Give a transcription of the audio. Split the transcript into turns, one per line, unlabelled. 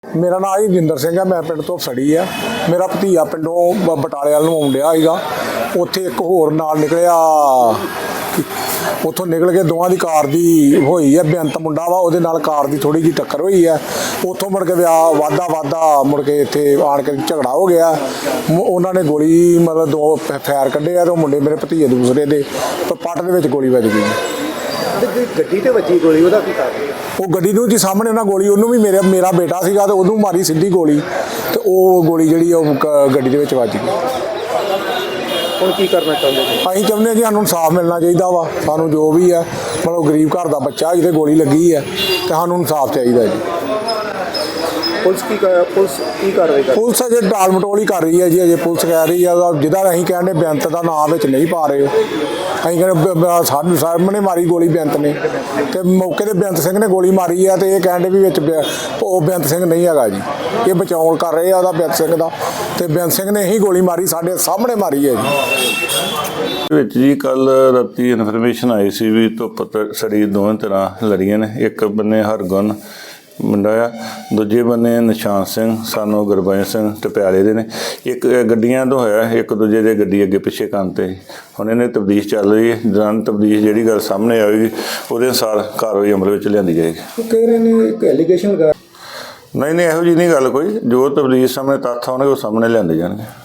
मेरा नाम हरजिंदर सिंह है। मैं पिंड तो सड़ी है। मेरा भतीजा पिंडों बटाले वाल नूं आउण डिया सीगा। उत्थे एक होर नाल निकलिया, उत्थों निकल के दोवां दी कार दी होई है। बेअंत मुंडा वा, उहदे नाल कार दी थोड़ी जी टक्कर होई है। उत्थों मुड़ के वाधा मुड़ के इत्थे आण के झगड़ा हो गया। उन्हां ने गोली मतलब दो फैर कड्ढे आ ते मुंडे मेरे भतीजे दूसरे दे पट्ट दे विच गोली वज गई।
गड्डी ते वजी गोली, ਉਹਦਾ ਕੀ ਕਾਰਨ?
ਉਹ ਗੱਡੀ ਨੂੰ ਜੀ ਸਾਹਮਣੇ ਉਹਨਾਂ ਗੋਲੀ, ਉਹਨੂੰ ਵੀ ਮੇਰਾ ਬੇਟਾ ਸੀਗਾ ਤੇ ਉਹਨੂੰ ਮਾਰੀ ਸਿੱਧੀ ਗੋਲੀ, ਤੇ ਉਹ ਗੋਲੀ ਜਿਹੜੀ ਉਹ ਗੱਡੀ ਦੇ ਵਿੱਚ ਵੱਜ ਗਈ।
ਹੁਣ ਕੀ ਕਰਨਾ ਚਾਹੁੰਦੇ ਜੀ?
ਅਸੀਂ ਚਾਹੁੰਦੇ ਹਾਂ ਜੀ ਸਾਨੂੰ ਇਨਸਾਫ ਮਿਲਣਾ ਚਾਹੀਦਾ ਵਾ। ਸਾਨੂੰ ਜੋ ਵੀ ਹੈ ਮਤਲਬ ਗਰੀਬ ਘਰ ਦਾ ਬੱਚਾ ਜਿਹਦੇ ਗੋਲੀ ਲੱਗੀ ਹੈ ਤੇ ਸਾਨੂੰ ਇਨਸਾਫ ਚਾਹੀਦਾ ਜੀ।
ਪੁਲਿਸ ਕੀ ਕਾਰਵਾਈ ਕਰ?
ਪੁਲਿਸ ਅਜੇ ਟਾਲ ਮਟੋਲ ਹੀ ਕਰ ਰਹੀ ਹੈ ਜੀ। ਅਜੇ ਪੁਲਿਸ ਕਹਿ ਰਹੀ ਹੈ ਜਿਹਦਾ ਅਸੀਂ ਕਹਿੰਦੇ ਬੇਅੰਤ ਦਾ ਨਾਮ ਵਿੱਚ ਨਹੀਂ ਪਾ ਰਹੇ। ਅਸੀਂ ਕਹਿੰਦੇ ਸਾਡੇ ਸਾਹਮਣੇ ਮਾਰੀ ਗੋਲੀ ਬੇਅੰਤ ਨੇ, ਤੇ ਮੌਕੇ ਤੇ ਬੇਅੰਤ ਸਿੰਘ ਨੇ ਗੋਲੀ ਮਾਰੀ ਆ, ਤੇ ਇਹ ਕਹਿੰਦੇ ਵੀ ਵਿੱਚ ਉਹ ਬੇਅੰਤ ਸਿੰਘ ਨਹੀਂ ਹੈਗਾ ਜੀ। ਇਹ ਬਚਾਉਣ ਕਰ ਰਹੇ ਆ ਉਹਦਾ ਬੇਅੰਤ ਸਿੰਘ ਦਾ, ਤੇ ਬੇਅੰਤ ਸਿੰਘ ਨੇ ਹੀ ਗੋਲੀ ਮਾਰੀ, ਸਾਡੇ ਸਾਹਮਣੇ ਮਾਰੀ ਹੈ ਜੀ।
ਵਿੱਚ ਜੀ ਕੱਲ ਰਾਤੀ ਇਨਫੋਰਮੇਸ਼ਨ ਆਈ ਸੀ ਵੀ ਧੁੱਪ ਸੜੀ ਦੋਵੇਂ ਤਰ੍ਹਾਂ ਲੜੀਆਂ ਨੇ। ਇੱਕ ਬੰਨੇ ਹਰਗੁਣ ਮੁੰਡਾ ਆ, ਦੂਜੇ ਬੰਨੇ ਨਿਸ਼ਾਨ ਸਿੰਘ ਸਾਨੂੰ ਗੁਰਬਾਜ ਸਿੰਘ ਟਪਿਆਲੇ ਦੇ ਨੇ। ਇੱਕ ਗੱਡੀਆਂ ਤੋਂ ਹੋਇਆ, ਇੱਕ ਦੂਜੇ ਦੇ ਗੱਡੀ ਅੱਗੇ ਪਿੱਛੇ ਕਰਨ 'ਤੇ। ਹੁਣ ਇਹਨੇ ਤਬਦੀਸ਼ ਚੱਲ ਰਹੀ ਹੈ। ਦੌਰਾਨ ਤਬਦੀਸ਼ ਜਿਹੜੀ ਗੱਲ ਸਾਹਮਣੇ ਆਵੇਗੀ ਉਹਦੇ ਅਨੁਸਾਰ ਕਾਰਵਾਈ ਅਮਲ ਵਿੱਚ ਲਿਆਂਦੀ ਜਾਏਗੀ।
ਕਹਿ ਰਹੇ ਨੇ ਇੱਕ ਐਲੀਗੇਸ਼ਨ ਲਗਾ।
ਨਹੀਂ ਇਹੋ ਜਿਹੀ ਨਹੀਂ ਗੱਲ ਕੋਈ। ਜੋ ਤਬਦੀਸ਼ ਸਾਹਮਣੇ ਤੱਥ ਆਉਣਗੇ ਉਹ ਸਾਹਮਣੇ ਲਿਆਂਦੇ ਜਾਣਗੇ।